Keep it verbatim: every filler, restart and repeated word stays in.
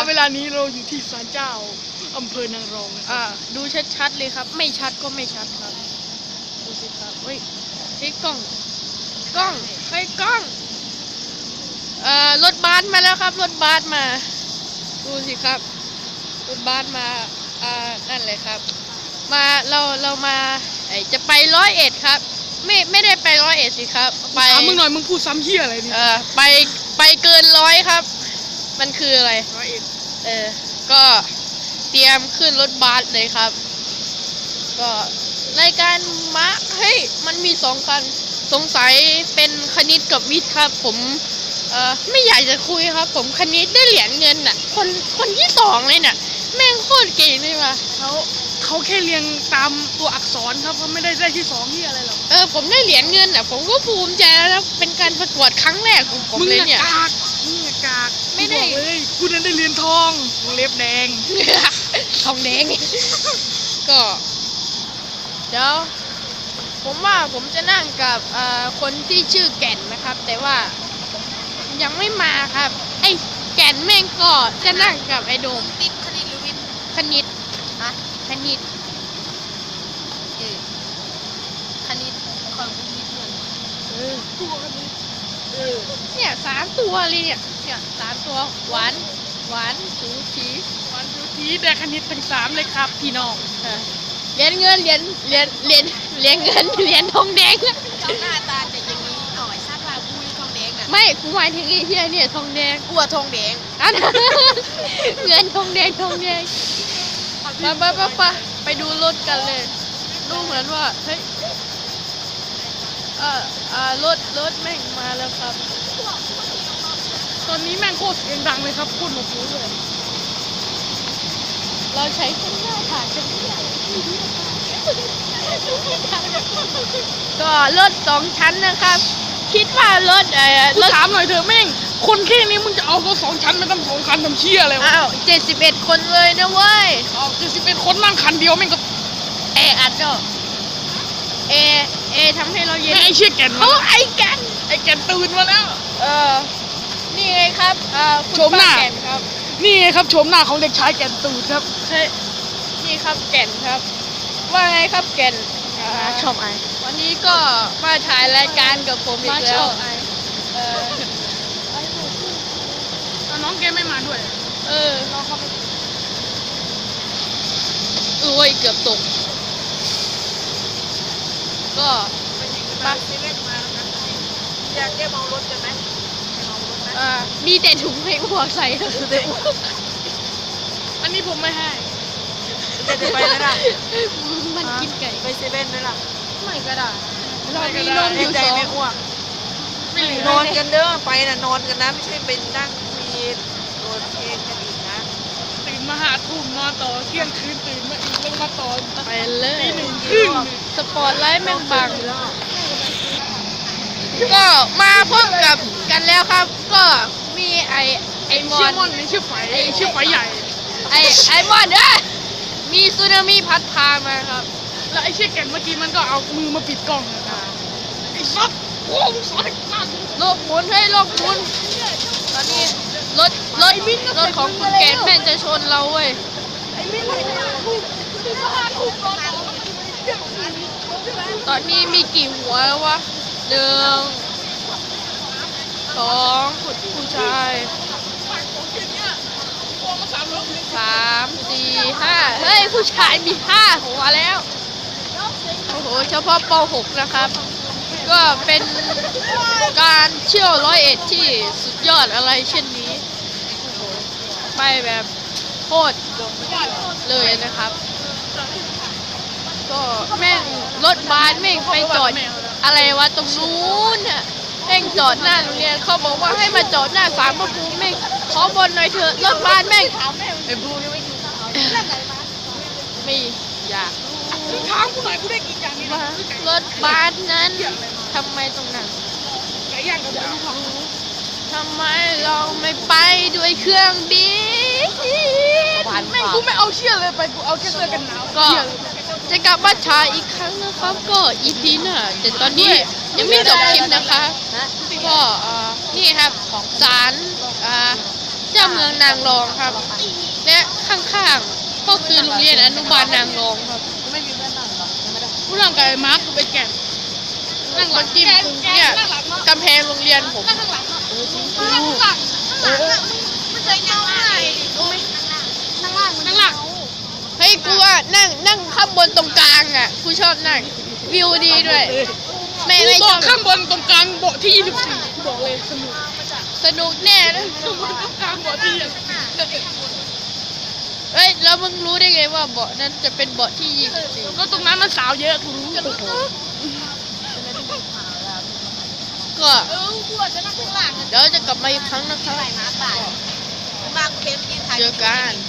เวลานี้เราอยู่ที่ศาลเจ้าอำเภอนางรองนะคอ่ารับดูชัดๆเลยครับ ไม่ชัดก็ไม่ชัดครับดูสิครับเฮ้ยเฮ้ยกล้องกล้องเฮ้ยกล้องเอ่อรถบัสมาแล้วครับรถบัสมาดูสิครับรถบัสมาอ่านั่นเลยครับมาเราเรามาไอจะไปร้อยเอ็ดครับไม่ไม่ได้ไปร้อยเอ็ดสิครับไปถามมึงหน่อยมึงพูดซ้ำเหี้ยอะไรนี่เอ่อไปไปเกินร้อยครับมันคืออะไรร้อยเอ็ดเออ ก็เตรียมขึ้นรถบัสเลยครับ ก็รายการมะเฮ้ย มันมีสองคัน สงสัยเป็นคณิตกับวิทย์ครับ ผม เอ่อ ไม่อยากจะคุยครับ ผมคณิตได้เหรียญเงินน่ะ คน คนที่สองเลยน่ะ แม่งโคตรเก่งเลยว่ะเขาเขาแค่เรียงตามตัวอักษรครับเขาไม่ได้ได้ที่สองเหี้ยอะไรหรอกเออ ผมได้เหรียญเงินน่ะ ผมก็ภูมิใจแล้วนะเป็นการประกวดครั้งแรกของผมมึงเลยอะเนี่ยกากมึงอะกากไม่ได้กูบอกเลยกูนั้นได้เรียนทองวงเล็บแดงทองแดง ก็ เดี๋ยว ผมว่าผมจะนั่งกับเอ่อคนที่ชื่อแก่นนะครับ แต่ว่ายังไม่มาครับ ไอ้แก่นแม่งก็จะนั่งกับไอ้โดมติดคณิตหรือวิทย์คณิตฮะคณิตเออคณิตของคุณวิทย์เหมือนเออเออเนี่ยสามตัวเลยเนี่ยเนี่ยสามตัวหวานหวานสูสีวันทุกทีได้คณิตทั้งสามเลยครับพี่น้องเออเหรียญเงินเหรียญเหรียญเหรียญเหรียญเงินเหรียญทองแดงเจ้าหน้าตาจะอย่างนี้หน่อยชาติว่ากูนี่ทองแดงน่ะไม่กูหมายถึงไอ้เหี้ยเนี่ยทองแดงกลัวทองแดงอัน เงินทองแดงทองแดงไปไปไปไปไปดูรถกันเลยดูเหมือนว่าเฮ้ยเอ่อเอ่อรถรถแม่งมาแล้วครับตอนนี้แม่งโคตรเสียงดังเลยครับโคตรหนวกหูเลยเราใช้เส้นหน้าผ่านกันไม่ได้ก็รถสองชั้นนะครับ คิดว่ารถเอ่อกูรถถามหน่อยเถอะแม่งคนแค่นี้มึงจะเอารถสองชั้นมาตั้งสองคันทำเชี่ยอะไรวะอ้าวเจ็ดสิบเอ็ดคนเลยนะเว้ยเอาคือสิเป็นคนนั่งคันเดียวแม่งก็เออัดก็เอเอทำให้เราเย็นแม่งไอ้เชี่ยแก่นเขามาไอ้กันไอ้แก่นตื่นมาแล้วเออ นี่ไงครับเอ่อคุณชมหน้าป้แก่นครับนี่ไงครับโฉมหน้าของเด็กชายแก่นตูดครับเฮ้ยนี่ครับแก่นครับ ว่าไงครับแก่นอ่าชอบไอวันนี้ก็มาถ่ายรายการกับผมอีมาก ชแล้อวบไอเออแล้วน้องแกไม่มาด้วยเออน้องเขาไปโอ้ยเกือบตก ก็มาเซเว่นมาแล้วกันอยากแก้เมารถกันไหมแก้เมารถไหมเอ่อมีแต่ถุงให้อ้วกใส่อันนี้ผมไม่ให้จะไปไหมล่ะมันกินไก่ไปเซเว่นไหมล่ะไม่ก็ได้ เราไม่ก็มีได้นมอแน่ยู่ใจสองไม่อ้วกไม่เหลืนออนกันเด้อไปน่ะนอนกันนะไม่ใช่เป็นนั่งคุยโดนเพลงกันอีกนะตื่นมาหาทุ่มนอนต่อเที่ยงคืนตื่นมาอีกแล้วมาต่อไปเลยตีหนึ่งครึ่งสปอร์ตไลท์แม่งบัง ก็มาพบกับกันแล้วครับ ก็มีไอไอมอเชื่อน มอนนี่ชื่อไฟชื่อไฟใหญ่ไอไอมอนเอ้ยมีสึนามิพัดพามาครับแล้วไอ้เชี่ยแก่นเมื่อกี้มันก็เอามือมาปิดกล้องนะครับไอ้ซับโอ้มสายมากโลกหมุนให้โลกหมุน ตอนนี้รถรถรถของคุณแกนแม่งจะชนเราเว้ย ตอนนี้มีกี่หัวแล้ววะหนึ่งสองผู้ชายสามสี่ห้าเฮ้ย ผู้ชายมีห้าหัวแล้ว โอ้โห เฉพาะป หก นะครับ ก็เป็นการเที่ยวร้อยเอ็ดที่สุดยอดอะไรเช่นนี้ โอ้โห ไปแบบโคตรเลยนะครับ ก็แม่งรถบัสแม่งไปจอดอะไรวะตรงนู้นน่ะแม่งจอดหน้าโรงเรียนเขาบอกว่าให้มาจอดหน้าศาลพระภูมิแม่งขอบนหน่อยเถอะรถบัสแม่งไอ้บูยังไม่กินข้าวไม่อยากมึงถามกูหน่อยกูได้กินอย่างนี้นะว่ารถบัสนั้นทำไมตรงนั้นไก่ย่างกับหมูทองทำไมเราไม่ไปด้วยเครื่องบินแม่งกูไม่เอาเชี่ยเลยไปกูเอาแค่เสื้อกันหนาวก็เชี่ยเลยจะกลับมาฉายอีกครั้งนะครับ ก็อีพีหน้าแต่ตอนนี้ยังไม่จบคลิปนะคะ ก็เอ่อนี่ครับของศาลอ่าเจ้าที่ยวเมืองนางรองครับ และข้างๆก็คือโรงเรียนอนุบาลนางรองครับไม่มีเพื่อนนั่งหรอไม่ได้ผู้ร่างกายมาร์คคือเป็นแก่นนั่งหลังจิ้มแกนคุงแกเนี่ยนั่งหลังเนาะกำแพงโรงเรียนผมนั่งข้างหลังเนาะนั่งข้างหลังข้างหลังอะมันจะยังไงรู้ไหมนั่งล่างนั่งล่างเฮ้ยกูว่านั่งนั่งข้างบนตรงกลางอ่ะกูชอบนั่งวิวดีด้วยไม่ไม่ชเบาะอบข้างบนตรงกลางเบาะที่ยี่สิบสี่บอกเลยสนุกสนุกแน่นะข้างบนตรงกลางเบาะที่ยี่สิบสี่เฮ้ยแล้วมึงรู้ได้ไงว่าเบาะนั้นจะเป็นเบาะที่ยี่สิบสี่ก็ตรงนั้นมันสาวเยอะกูรู้ก็เออกูอาจจะนั่งข้างหลังเดี๋ยวจะกลับมาอีกครั้งนะครับมาตายมากูเห็นกินถ่ายเจอกัน